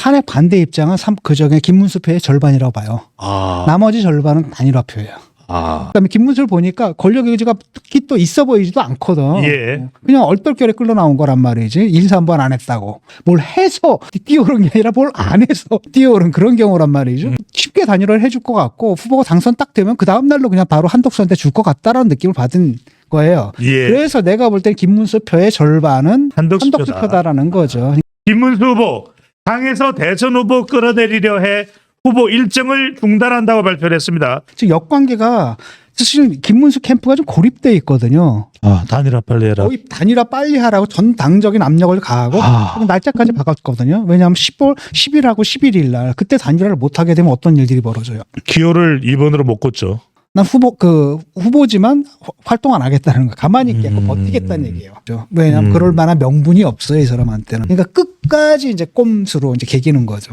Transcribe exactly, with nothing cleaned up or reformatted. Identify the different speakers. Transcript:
Speaker 1: 탄핵 반대 입장은 삼- 그중에 김문수 표의 절반이라고 봐요.
Speaker 2: 아.
Speaker 1: 나머지 절반은 단일화표예요.
Speaker 2: 아.
Speaker 1: 그다음에 김문수를 보니까 권력 의지가 특히 또 있어 보이지도 않거든.
Speaker 2: 예.
Speaker 1: 그냥 얼떨결에 끌려 나온 거란 말이지. 일, 삼 번 안 했다고. 뭘 해서 뛰어오른 게 아니라 뭘 안 해서 뛰어오른 그런 경우란 말이죠.
Speaker 2: 음.
Speaker 1: 쉽게 단일화를 해줄 것 같고 후보가 당선 딱 되면 그 다음 날로 그냥 바로 한덕수한테 줄 것 같다라는 느낌을 받은 거예요.
Speaker 2: 예.
Speaker 1: 그래서 내가 볼 땐 김문수 표의 절반은
Speaker 2: 한덕수
Speaker 1: 한덕수
Speaker 2: 표다.
Speaker 1: 표다라는 거죠.
Speaker 2: 김문수 후보 당에서 대선 후보 끌어내리려 해 후보 일정을 중단한다고 발표를 했습니다.
Speaker 1: 즉 역관계가 사실 김문수 캠프가 좀 고립돼 있거든요.
Speaker 2: 아, 단일화 빨리 해라.
Speaker 1: 거의 단일화 빨리 하라고 전 당적인 압력을 가하고
Speaker 2: 아.
Speaker 1: 날짜까지 바꿨거든요. 왜냐하면 십월, 십일하고 십일일 날 그때 단일화를 못 하게 되면 어떤 일들이 벌어져요.
Speaker 2: 기호를 이 번으로 못 꽂죠.
Speaker 1: 난 후보 그 후보지만 화- 활동 안 하겠다는 거, 가만히 있겠고
Speaker 2: 음.
Speaker 1: 버티겠다는 얘기예요. 왜냐하면
Speaker 2: 음.
Speaker 1: 그럴 만한 명분이 없어요, 이 사람한테는. 그러니까 끝까지 이제 꼼수로 이제 개기는 거죠.